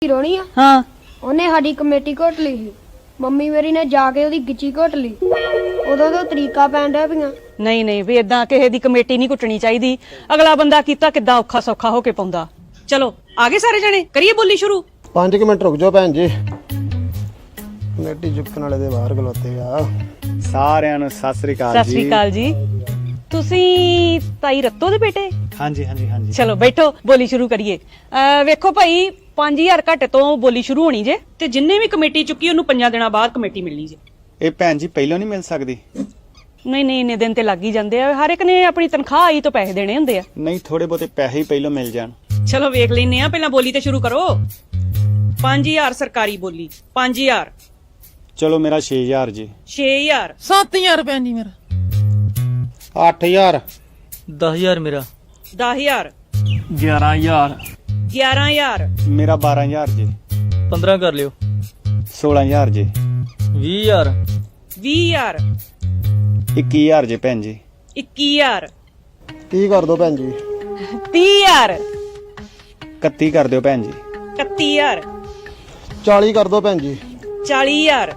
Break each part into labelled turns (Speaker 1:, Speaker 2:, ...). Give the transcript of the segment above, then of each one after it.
Speaker 1: ਚਿਰੋਣੀ ਆ
Speaker 2: ਹਾਂ
Speaker 1: ਉਹਨੇ ਸਾਡੀ ਕਮੇਟੀ ਘੋਟ ਲਈ ਸੀ। ਮੰਮੀ ਮੇਰੀ ਨੇ ਜਾ ਕੇ ਉਹਦੀ ਗਿੱਚੀ ਘੋਟ ਲਈ। ਉਦੋਂ ਤੋਂ ਤਰੀਕਾ ਪੈਣ ਡਿਆ ਪਈਆਂ।
Speaker 2: ਨਹੀਂ ਨਹੀਂ ਵੀ ਇਦਾਂ ਕਿਸੇ ਦੀ ਕਮੇਟੀ ਨਹੀਂ ਕੁੱਟਣੀ ਚਾਹੀਦੀ। ਅਗਲਾ ਬੰਦਾ ਕੀਤਾ ਕਿੱਦਾਂ ਔਖਾ ਸੌਖਾ ਹੋ ਕੇ ਪਾਉਂਦਾ। ਚਲੋ ਆ ਗਏ ਸਾਰੇ ਜਣੇ, ਕਰੀਏ ਬੋਲੀ ਸ਼ੁਰੂ।
Speaker 3: 5 ਮਿੰਟ ਰੁਕ ਜਾਓ ਭੈਣ ਜੀ, ਕਮੇਟੀ ਚੁੱਕਣ ਵਾਲੇ ਦੇ ਬਾਹਰ ਖਲੋਤੇ ਆ।
Speaker 4: ਸਾਰਿਆਂ ਨੂੰ ਸਤਿ ਸ੍ਰੀ ਅਕਾਲ
Speaker 2: ਸਤਿ ਸ੍ਰੀ ਅਕਾਲ ਜੀ। ਤੁਸੀਂ ਤਾਈ ਰੱਤੋ ਦੇ ਬੇਟੇ?
Speaker 4: ਹਾਂਜੀ ਹਾਂਜੀ ਹਾਂਜੀ।
Speaker 2: ਚਲੋ ਬੈਠੋ, ਬੋਲੀ ਸ਼ੁਰੂ ਕਰੀਏ। ਵੇਖੋ ਭਾਈ 5000 ਘੱਟ ਤੋਂ ਬੋਲੀ ਸ਼ੁਰੂ ਹੋਣੀ ਜੇ, ਤੇ ਜਿੰਨੇ ਵੀ ਕਮੇਟੀ ਚੁੱਕੀ ਉਹਨੂੰ 5 ਦਿਨਾਂ ਬਾਅਦ ਕਮੇਟੀ ਮਿਲਣੀ ਜੇ।
Speaker 4: ਇਹ ਭੈਣ ਜੀ ਪਹਿਲਾਂ ਨਹੀਂ ਮਿਲ ਸਕਦੀ?
Speaker 2: ਨਹੀਂ ਨਹੀਂ, ਇੰਨੇ ਦਿਨ ਤੇ ਲੱਗ ਹੀ ਜਾਂਦੇ ਆ। ਹਰ ਇੱਕ ਨੇ ਆਪਣੀ ਤਨਖਾਹ ਆਈ ਤੋਂ ਪੈਸੇ ਦੇਣੇ ਹੁੰਦੇ ਆ।
Speaker 4: ਨਹੀਂ, ਥੋੜੇ ਬਹੁਤੇ ਪੈਸੇ ਹੀ ਪਹਿਲਾਂ ਮਿਲ ਜਾਣ।
Speaker 2: ਚਲੋ ਵੇਖ ਲੈਨੇ ਆ, ਪਹਿਲਾਂ ਬੋਲੀ ਤੇ ਸ਼ੁਰੂ ਕਰੋ। 5000 ਸਰਕਾਰੀ ਬੋਲੀ। 5000।
Speaker 4: ਚਲੋ ਮੇਰਾ 6000 ਜੀ।
Speaker 2: 6000।
Speaker 5: 7000 ਭੈਣ ਜੀ ਮੇਰਾ।
Speaker 3: 8000
Speaker 6: 10000 ਮੇਰਾ।
Speaker 2: 10000।
Speaker 6: 11000
Speaker 2: 11000।
Speaker 4: ਮੇਰਾ 12000 ਜੀ।
Speaker 6: 15 ਕਰ ਲਿਓ।
Speaker 4: 16000 ਜੀ।
Speaker 6: 20000
Speaker 2: 20000।
Speaker 4: 21000 ਜੀ ਭੈਣ ਜੀ।
Speaker 2: 21000।
Speaker 3: 30 ਕਰ ਦਿਓ ਭੈਣ ਜੀ।
Speaker 2: 30000।
Speaker 4: 31 ਕਰ ਦਿਓ ਭੈਣ ਜੀ।
Speaker 2: 31000।
Speaker 3: 40 ਕਰ ਦਿਓ ਭੈਣ ਜੀ।
Speaker 2: 40000।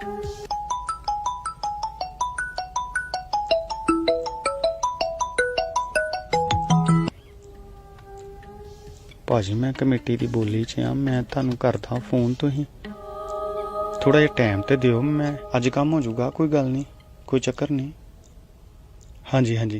Speaker 4: ਭਾਜੀ ਮੈਂ ਕਮੇਟੀ ਦੀ ਬੋਲੀ 'ਚ ਆ, ਮੈਂ ਤੁਹਾਨੂੰ ਕਰਦਾ ਫੋਨ। ਤੁਸੀਂ ਥੋੜਾ ਜਿਹਾ ਟਾਈਮ ਤੇ ਦਿਓ, ਮੈਂ ਅੱਜ ਕੰਮ ਹੋ ਜਾਊਗਾ, ਕੋਈ ਗੱਲ ਨਹੀਂ, ਕੋਈ ਚੱਕਰ ਨਹੀਂ। ਹਾਂਜੀ ਹਾਂਜੀ।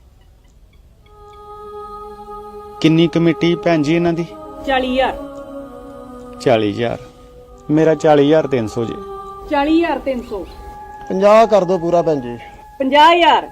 Speaker 4: ਕਿੰਨੀ ਕਮੇਟੀ ਭੈਣ ਜੀ ਇਹਨਾਂ ਦੀ?
Speaker 2: 40000।
Speaker 4: 40000। ਮੇਰਾ 40300 ਜੀ।
Speaker 2: 40300।
Speaker 3: 50 ਕਰ ਦਿਓ ਪੂਰਾ ਭੈਣ ਜੀ।
Speaker 2: 50000।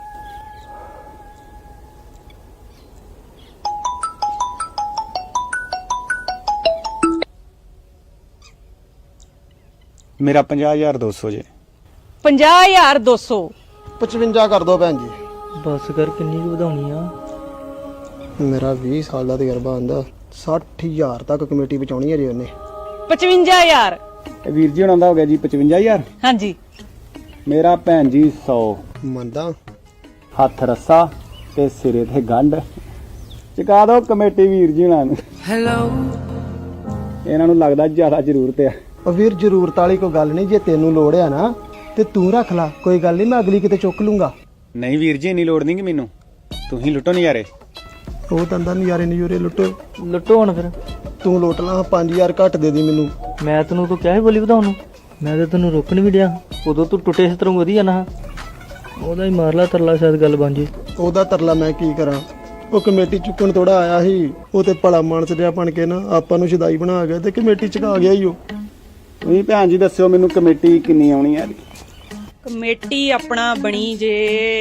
Speaker 4: ਮੇਰਾ 50200 ਜੀ।
Speaker 2: 50200।
Speaker 3: 55 ਕਰ ਦਿਓ ਭੈਣ ਜੀ।
Speaker 6: ਬਸ ਕਰ, ਕਿੰਨੀ ਕੁ ਵਧਾਉਣੀ ਆ?
Speaker 3: ਮੇਰਾ 20 ਸਾਲ ਦਾ ਤਜਰਬਾ ਆਂਦਾ। 60000 ਤੱਕ ਕਮੇਟੀ ਬਚਾਉਣੀ ਹੈ ਜੀ ਉਹਨੇ।
Speaker 2: 55000।
Speaker 4: ਵੀਰ ਜੀ ਹੁਣਾਂ ਦਾ ਹੋ ਗਿਆ ਜੀ 55000।
Speaker 2: ਹਾਂਜੀ।
Speaker 4: ਮੇਰਾ ਭੈਣ ਜੀ 100।
Speaker 3: ਮੰਨਦਾ
Speaker 4: ਹੱਥ ਰੱਸਾ ਤੇ ਸਿਰੇ ਤੇ ਗੰਢ। ਚੁਕਾ ਦਿਓ ਕਮੇਟੀ ਵੀਰ ਜੀ ਹੁਣਾਂ ਨੂੰ।
Speaker 5: ਹੈਲੋ।
Speaker 4: ਇਹਨਾਂ ਨੂੰ ਲੱਗਦਾ ਜ਼ਿਆਦਾ ਜ਼ਰੂਰਤ ਆ।
Speaker 3: ਉਹ ਵੀਰ ਜ਼ਰੂਰਤ ਵਾਲੀ ਕੋਈ ਗੱਲ ਨਹੀਂ, ਜੇ ਤੈਨੂੰ ਲੋੜ ਆ ਨਾ ਤੇ ਤੂੰ ਰੱਖ ਲੈ, ਕੋਈ ਗੱਲ ਨਹੀਂ, ਮੈਂ ਅਗਲੀ ਕਿਤੇ ਚੁੱਕ ਲੂੰਗਾ।
Speaker 4: ਨਹੀਂ ਵੀਰ ਜੀ, ਇੰਨੀ ਲੋੜ ਨਹੀਂ ਕਿ ਮੈਨੂੰ, ਤੁਸੀਂ ਲੁੱਟੋ ਨਜ਼ਾਰੇ।
Speaker 3: ਉਹ ਤੰਦਾ ਨਜ਼ਾਰੇ ਨਜ਼ੂਰੇ ਲੁੱਟੋ।
Speaker 6: ਲੁੱਟੋ ਹੁਣ ਫਿਰ।
Speaker 3: ਤੂੰ ਲੁੱਟ ਲਾ, 5000 ਘੱਟ ਦੇ ਦੀ ਮੈਨੂੰ।
Speaker 6: ਮੈਂ ਤੈਨੂੰ ਤੋਂ ਕਿਹਾ ਸੀ ਬੋਲੀ ਵਧਾਉਣ ਨੂੰ, ਮੈਂ ਤਾਂ ਤੈਨੂੰ ਰੋਕਣ ਵੀ ਡਿਆ। ਉਦੋਂ ਤੂੰ ਟੁੱਟੇ ਇਸ ਤਰ੍ਹਾਂ ਵਧੀਆ ਨਾ, ਉਹਦਾ ਹੀ ਮਾਰ ਲਾ ਤਰਲਾ, ਸ਼ਾਇਦ ਗੱਲ ਬਣ ਜੇ।
Speaker 3: ਉਹਦਾ ਤਰਲਾ ਮੈਂ ਕੀ ਕਰਾਂ? ਉਹ ਕਮੇਟੀ ਚੁੱਕਣ ਥੋੜਾ ਆਇਆ ਸੀ, ਉਹ ਤੇ ਭਲਾ ਮਾਨਸ ਜਿਹਾ ਬਣ ਕੇ ਨਾ ਆਪਾਂ ਨੂੰ ਸ਼ਦਾਈ ਬਣਾ ਗਿਆ ਤੇ ਕਮੇਟੀ ਚੁਕਾ ਗਿਆ ਹੀ ਉਹ।
Speaker 4: ਤੁਸੀਂ ਭੈਣ ਜੀ ਦੱਸਿਓ ਮੈਨੂੰ ਕਮੇਟੀ ਕਿੰਨੀ ਆਉਣੀ ਹੈ?
Speaker 2: ਕਮੇਟੀ ਆਪਣਾ ਬਣੀ ਜੇ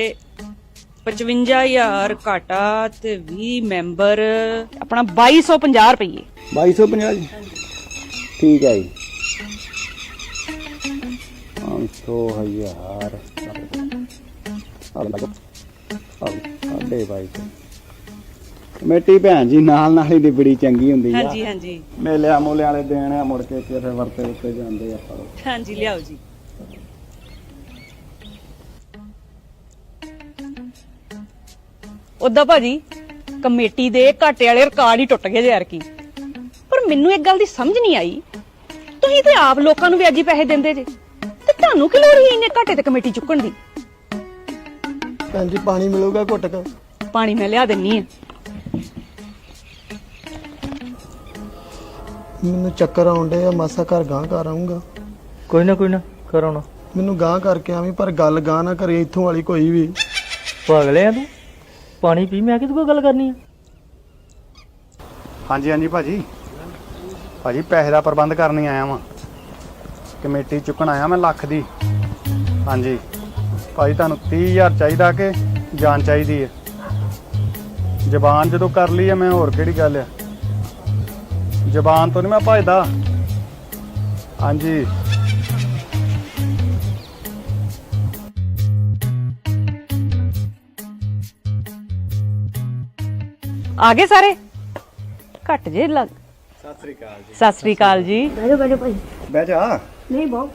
Speaker 2: 55000 ਘਾਟਾ ਤੇ 20 ਮੈਂਬਰ, ਆਪਣਾ 2250 ਰੁਪਏ।
Speaker 4: 2250 ਜੀ। ਠੀਕ ਹੈ ਜੀ। 500,000 ਸਾਡੇ ਬਾਈ ਕਮੇਟੀ ਭੈਣ ਜੀ ਨਾਲ ਨਾਲ ਹੀ ਦੀ ਬੜੀ ਚੰਗੀ ਹੁੰਦੀ ਆ।
Speaker 2: ਹਾਂਜੀ ਹਾਂਜੀ
Speaker 4: ਮੇਲਿਆਂ ਮੂਲਿਆਂ ਵਾਲੇ ਦੇਣ ਆ, ਮੁੜ ਕੇ ਫਿਰ ਵਰਤੇ ਉੱਤੇ ਜਾਂਦੇ ਆ।
Speaker 2: ਹਾਂਜੀ, ਲਿਆਓ ਜੀ। ਉਦਾਂ ਭਾਜੀ ਕਮੇਟੀ ਦੇ ਘਾਟੇ ਵਾਲੇ ਰਿਕਾਰਡ ਹੀ ਟੁੱਟ ਗਏ ਯਾਰ ਕੀ। ਪਰ ਮੈਨੂੰ ਇੱਕ ਗੱਲ ਦੀ ਸਮਝ ਨਹੀਂ ਆਈ, ਤੁਸੀਂ ਤੇ ਆਪ ਲੋਕਾਂ ਨੂੰ ਵਿਆਜੀ ਪੈਸੇ ਦਿੰਦੇ ਜੇ, ਤੇ ਤੁਹਾਨੂੰ ਕੀ ਲੋੜ ਹੀ ਇੰਨੇ ਘਾਟੇ ਤੇ ਕਮੇਟੀ ਚੁੱਕਣ ਦੀ?
Speaker 3: ਭੈਣ ਜੀ ਪਾਣੀ ਮਿਲੂਗਾ ਘੁੱਟ ਕੇ?
Speaker 2: ਪਾਣੀ ਮੈਂ ਲਿਆ ਦਿੰਨੀ ਆ।
Speaker 3: ਮੈਨੂੰ ਚੱਕਰ ਆਉਂਦੇ ਆ, ਮਾਸਾ ਘਰ ਗਾਂ ਘਰ ਆਉਂਗਾ।
Speaker 6: ਕੋਈ ਨਾ ਕਰਾਉਣਾ।
Speaker 3: ਮੈਨੂੰ ਗਾਂ ਕਰਕੇ ਆਵੀਂ, ਪਰ ਗੱਲ ਗਾਂ ਨਾ ਕਰੇ ਇੱਥੋਂ ਵਾਲੀ ਕੋਈ ਵੀ।
Speaker 6: ਪਾਗਲੇ ਆ ਤੂੰ? ਪਾਣੀ ਪੀ, ਮੈਂ ਕਿਹਦੇ ਕੋਲ ਗੱਲ ਕਰਨੀ ਆ?
Speaker 4: ਹਾਂਜੀ ਹਾਂਜੀ ਭਾਜੀ। ਭਾਜੀ ਪੈਸੇ ਦਾ ਪ੍ਰਬੰਧ ਕਰਨ ਹੀ ਆਇਆ ਵਾਂ, ਕਮੇਟੀ ਚੁੱਕਣ ਆਇਆ ਮੈਂ ਲੱਖ ਦੀ। ਹਾਂਜੀ ਭਾਜੀ, ਤੁਹਾਨੂੰ 30000 ਚਾਹੀਦਾ ਕਿ ਜਾਨ ਚਾਹੀਦੀ ਹੈ? ਜ਼ਬਾਨ ਜਦੋਂ ਕਰ ਲਈ ਹੈ ਮੈਂ, ਹੋਰ ਕਿਹੜੀ ਗੱਲ ਆ? ਜ਼ਬਾਨ ਤੋਂ ਨਹੀਂ ਮੈਂ ਭਜਦਾ। ਹਾਂਜੀ
Speaker 2: ਆ ਗਏ ਸਾਰੇ? ਘੱਟ ਜੇ ਲੱਗ।
Speaker 4: ਸਤਿ ਸ੍ਰੀ ਅਕਾਲ ਜੀ।
Speaker 2: ਸਤਿ ਸ੍ਰੀ ਅਕਾਲ ਜੀ।
Speaker 4: ਬਹਿ ਜਾ।
Speaker 1: ਨਹੀਂ ਬਹੁਤ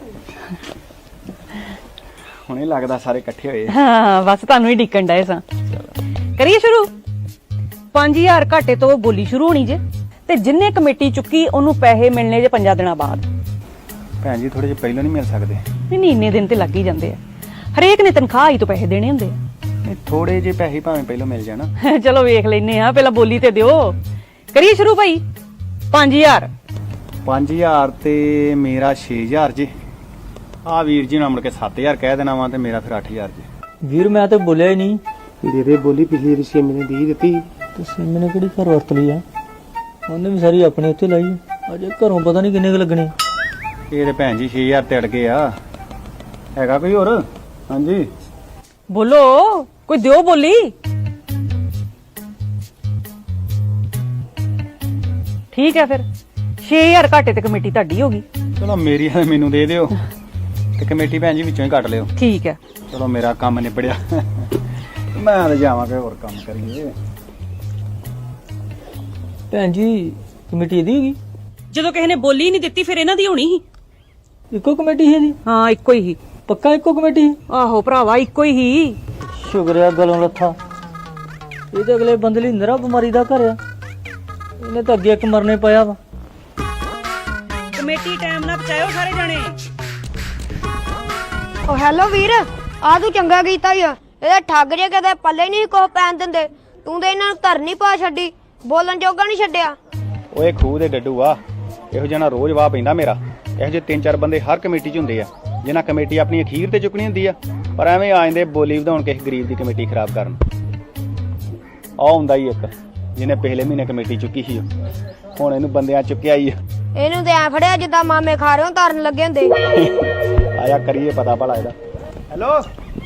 Speaker 4: ਹੁਣੇ ਲੱਗਦਾ ਸਾਰੇ ਇਕੱਠੇ ਹੋਏ।
Speaker 2: ਹਾਂ ਬਸ ਤੁਹਾਨੂੰ ਹੀ ਡਿੱਕਣ ਡਏ ਸਾਂ। ਕਰੀਏ ਸ਼ੁਰੂ। 5000 ਘਾਟੇ ਤੋਂ ਬੋਲੀ ਸ਼ੁਰੂ ਹੋਣੀ ਜੇ, ਤੇ ਜਿੰਨੇ ਕਮੇਟੀ ਚੁੱਕੀ ਉਹਨੂੰ ਪੈਸੇ ਮਿਲਣੇ ਜੇ 5 ਦਿਨਾਂ ਬਾਅਦ।
Speaker 4: ਭੈਣ ਜੀ ਥੋੜੇ ਜਿਹੇ ਪਹਿਲਾਂ ਨਹੀਂ ਮਿਲ ਸਕਦੇ?
Speaker 2: ਨਹੀਂ ਇੰਨੇ ਦਿਨ ਤੇ ਲੱਗ ਹੀ ਜਾਂਦੇ ਆ, ਹਰੇਕ ਨੇ ਤਨਖਾਹ ਹੀ ਤੋਂ ਪੈਸੇ ਦੇਣੇ ਹੁੰਦੇ
Speaker 4: ਨਹੀਂ ਥੋੜੇ ਜਿਹੇ ਪੈਸੇ ਭਾਵੇਂ ਪਹਿਲਾਂ ਮਿਲ ਜਾਣ।
Speaker 2: ਆ। ਚਲੋ ਵੇਖ ਲੈਨੇ ਆ, ਪਹਿਲਾਂ ਬੋਲੀ ਤੇ ਦਿਓ। ਕਰੀਏ ਸ਼ੁਰੂ ਭਾਈ। 5000
Speaker 4: 5000 ਤੇ ਮੇਰਾ 6000 ਜੀ। ਆ ਵੀਰ ਜੀ ਨੂੰ ਮੁੜ ਕੇ 7000 ਕਹਿ ਦੇਣਾ ਵਾ ਤੇ ਮੇਰਾ ਫਿਰ 8000 ਜੀ।
Speaker 6: ਵੀਰ ਮੈਂ ਤੇ ਬੋਲਿਆ ਹੀ ਨਹੀਂ।
Speaker 3: ਦੇ ਦੇ ਬੋਲੀ ਪਿਛਲੀ ਰਿਸ਼ੀ ਨੇ ਦੀ ਦਿੱਤੀ
Speaker 6: ਤੇ ਸਿੰਮ ਨੇ ਕਿਹੜੀ ਘਰ ਵਰਤ ਲਈ ਆ? ਉਹਨੇ ਵੀ ਸਾਰੀ ਆਪਣੇ ਉੱਤੇ ਲਾਈ ਆ। ਅਜੇ ਘਰੋਂ ਪਤਾ ਨਹੀਂ ਕਿੰਨੇ ਕੁ ਲੱਗਣੇ।
Speaker 4: ਇਹ ਤੇ ਭੈਣ ਜੀ 6000 ਤੇ ਅੜ ਗਏ ਆ। ਹੈਗਾ ਕੋਈ ਹੋਰ? ਹਾਂਜੀ
Speaker 2: ਬੋਲੋ, ਕੋਈ ਦਿਓ ਬੋਲੀ। ਠੀਕ ਹੈ ਫਿਰ 6000 ਘਾਟੇ ਤੇ ਕਮੇਟੀ ਤੁਹਾਡੀ ਹੋ ਗਈ।
Speaker 4: ਚਲੋ ਮੇਰੀ ਆ ਮੈਨੂੰ ਦੇ ਦਿਓ ਤੇ ਕਮੇਟੀ ਭੈਣ ਜੀ ਵਿੱਚੋਂ ਹੀ ਕੱਟ ਲਿਓ।
Speaker 2: ਠੀਕ ਹੈ।
Speaker 4: ਚਲੋ ਮੇਰਾ ਕੰਮ ਨਿਬੜਿਆ। ਮੈਂ ਤਾਂ ਜਾਵਾਂਗਾ ਹੋਰ ਕੰਮ ਕਰੀਏ।
Speaker 6: ਭੈਣ ਜੀ ਕਮੇਟੀ ਇਹਦੀ ਹੈਗੀ?
Speaker 2: ਜਦੋਂ ਕਿਸੇ ਨੇ ਬੋਲੀ ਨਹੀਂ ਦਿੱਤੀ ਫਿਰ ਇਹਨਾਂ ਦੀ ਹੋਣੀ ਸੀ।
Speaker 6: ਇੱਕੋ ਕਮੇਟੀ ਹੈ ਜੀ?
Speaker 2: ਹਾਂ ਇੱਕੋ ਹੀ ਸੀ।
Speaker 6: ਪੱਕਾ ਇੱਕੋ ਕਮੇਟੀ?
Speaker 2: ਆਹੋ ਭਰਾਵਾ ਇੱਕੋ ਹੀ ਸੀ।
Speaker 6: ਸ਼ੁਕਰਿਆ ਗਲੋਂ ਲੱਥਾ। ਇਹ ਤਾਂ ਅਗਲੇ ਬੰਦੇ ਲਈ ਨਰਾ ਬਿਮਾਰੀ ਦਾ ਘਰ ਆ। ਇਹਨੇ ਤਾਂ ਅੱਗੇ ਇੱਕ ਮਰਨੇ ਪਾਇਆ ਵਾ।
Speaker 2: ਕਮੇਟੀ ਟਾਈਮ ਨਾਲ ਪਹੁੰਚਾਇਓ ਸਾਰੇ ਜਾਣੇ।
Speaker 1: ਓ ਹੈਲੋ ਵੀਰ, ਆ ਤੂੰ ਚੰਗਾ ਕੀਤਾ ਈ ਆ। ਇਹਦੇ ਠੱਗ ਜੇ ਕਦੇ ਪੱਲੇ ਨਹੀਂ ਕੁਛ ਪੈਣ ਦਿੰਦੇ। ਤੂੰ ਤੇ ਇਹਨਾਂ ਨੂੰ ਧਰਨੀ ਪਾ ਛੱਡੀ, ਬੋਲਣ ਜੋਗਾ ਨਹੀਂ ਛੱਡਿਆ।
Speaker 4: ਓਏ ਖੂਹ ਦੇ ਡੱਡੂ ਆ, ਇਹੋ ਜਿਹਾ ਨਾ ਰੋਜ਼ ਵਾਹ ਪੈਂਦਾ ਮੇਰਾ। ਇਹੋ ਜਿਹੇ 3-4 ਬੰਦੇ ਹਰ ਕਮੇਟੀ 'ਚ ਹੁੰਦੇ ਆ ਜਿਨ੍ਹਾਂ ਕਮੇਟੀ ਆਪਣੀ ਅਖੀਰ ਤੇ ਚੁੱਕਣੀ ਹੁੰਦੀ ਆ, ਪਰ ਐਵੇਂ ਆ ਜਾਂਦੇ ਬੋਲੀ ਵਧਾਉਣ ਕਿਸੇ ਗਰੀਬ ਦੀ ਕਮੇਟੀ ਖਰਾਬ ਕਰਨ। ਆ ਹੁੰਦਾ ਹੀ ਇੱਕ ਜਿਹਨੇ ਪਿਛਲੇ ਮਹੀਨੇ ਕਮੇਟੀ ਚੁੱਕੀ ਸੀ, ਹੁਣ ਇਹਨੂੰ ਬੰਦਿਆਂ ਚੁੱਕਿਆ ਹੀ ਆ।
Speaker 1: ਇਹਨੂੰ ਤੇ ਐ ਫੜਿਆ ਜਿੱਦਾਂ ਮਾਮੇ ਖਾ ਰਹੇ ਹੋ ਧਰਨ ਲੱਗੇ ਹੁੰਦੇ।
Speaker 4: ਆਇਆ ਕਰੀਏ ਪਤਾ ਭਲਾ ਇਹਦਾ। ਹੈਲੋ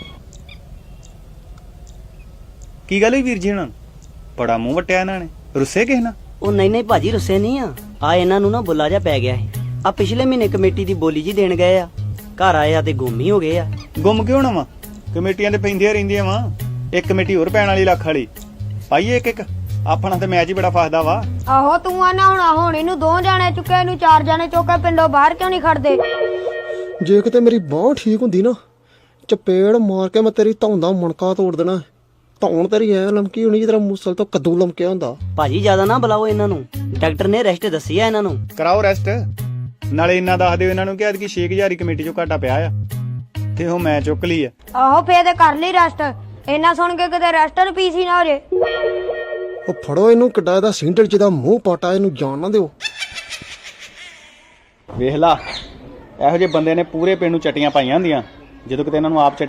Speaker 4: ਕੀ ਗੱਲ ਹੋਈ ਵੀਰ ਜੀ? ਹੁਣ ਬੜਾ ਮੂੰਹ ਵਟਿਆ ਇਹਨਾਂ ਨੇ, ਰੁੱਸੇ ਕਿਸ ਨਾਲ?
Speaker 5: ਉਹ ਨਹੀਂ ਭਾਜੀ ਰੁੱਸੇ ਨਹੀਂ ਆ ਇਹਨਾਂ ਨੂੰ ਨਾ ਬੁੱਲਾ ਜਾ ਪੈ ਗਿਆ ਸੀ। ਆ ਪਿਛਲੇ ਮਹੀਨੇ ਕਮੇਟੀ ਦੀ ਬੋਲੀ ਜੀ ਦੇਣ ਗਏ ਆ, ਘਰ ਆਏ ਆ ਤੇ ਗੁੰਮ ਹੀ ਹੋ ਗਏ ਆ।
Speaker 4: ਗੁੰਮ ਕਿਉਂ ਨਾ ਵਾ? ਕਮੇਟੀਆਂ ਤੇ ਪੈਂਦੀਆਂ ਰਹਿੰਦੀਆਂ ਵਾ। ਇੱਕ ਕਮੇਟੀ ਹੋਰ ਪੈਣ ਵਾਲੀ ਲੱਖ ਵਾਲੀ ਪਾਈਏ ਇੱਕ ਆਪਣਾ ਤੇ ਮੈਚ ਹੀ ਬੜਾ ਫਸਦਾ ਵਾ।
Speaker 1: ਆਹੋ ਤੂੰ ਆਣਾ ਹੁਣ ਇਹਨੂੰ 2 ਜਾਣੇ ਚੁੱਕੇ, ਇਹਨੂੰ 4 ਜਾਣੇ ਚੁੱਕੇ, ਪਿੰਡੋਂ ਬਾਹਰ ਕਿਉਂ ਨਹੀਂ ਖੜਦੇ?
Speaker 3: ਜੇ ਕਿਤੇ ਮੇਰੀ ਬਾਂਹ ਠੀਕ ਹੁੰਦੀ ਨਾ, ਚਪੇੜ ਮਾਰ ਕੇ ਮੈਂ ਤੇਰੀ ਧੌਣ ਦਾ ਮਣਕਾ ਤੋੜ ਦੇਣਾ। ਧੌਣ ਤੇਰੀ ਐ ਲਮਕੀ ਹੋਣੀ ਜਿੱਦਾਂ ਮੂਸਲ ਤੋਂ ਕੱਦੂ ਲਮਕਿਆ ਹੁੰਦਾ।
Speaker 5: ਭਾਜੀ ਜ਼ਿਆਦਾ ਨਾ ਬੁਲਾਓ ਇਹਨਾਂ ਨੂੰ, ਡਾਕਟਰ ਨੇ ਰੈਸਟ ਦੱਸੀ ਆ ਇਹਨਾਂ ਨੂੰ।
Speaker 4: ਕਰਾਓ ਰੈਸਟ। ਨਾਲੇ ਇੰਨਾ ਦੱਸ ਦਿਓ ਇਹਨਾਂ ਨੂੰ ਕਿ ਐਤਕੀ 6000 ਕਮੇਟੀ ਚੋਂ ਘਾਟਾ ਪਿਆ ਆ ਤੇ ਉਹ ਮੈਂ ਚੁੱਕ ਲਈ ਆ।
Speaker 1: ਆਹੋ ਫੇਰ ਤੇ ਕਰ ਲਈ ਰੈਸਟ। ਇਹਨਾਂ ਸੁਣ ਕੇ ਕਿਤੇ ਰੈਸਟਰ ਪੀਸੀ ਨਾ ਹੋ ਜੇ।
Speaker 3: ਉਹ ਫੜੋ ਇਹਨੂੰ, ਕਿੱਡਾ ਇਹਦਾ ਸਿੰਡਲ ਜਿਹਦਾ ਮੂੰਹ ਪਾਟਾ, ਇਹਨੂੰ ਜਾਣ ਨਾ ਦਿਓ।
Speaker 4: ਵੇਖ ਲਾ ਇਹੋ ਜਿਹੇ ਬੰਦੇ ਨੇ ਪੂਰੇ ਪਿੰਡ ਨੂੰ ਚਟੀਆਂ ਪਾਈਆਂ ਹੁੰਦੀਆਂ, ਜਦੋਂ ਕਿਤੇ ਇਹਨਾਂ ਨੂੰ ਆਪ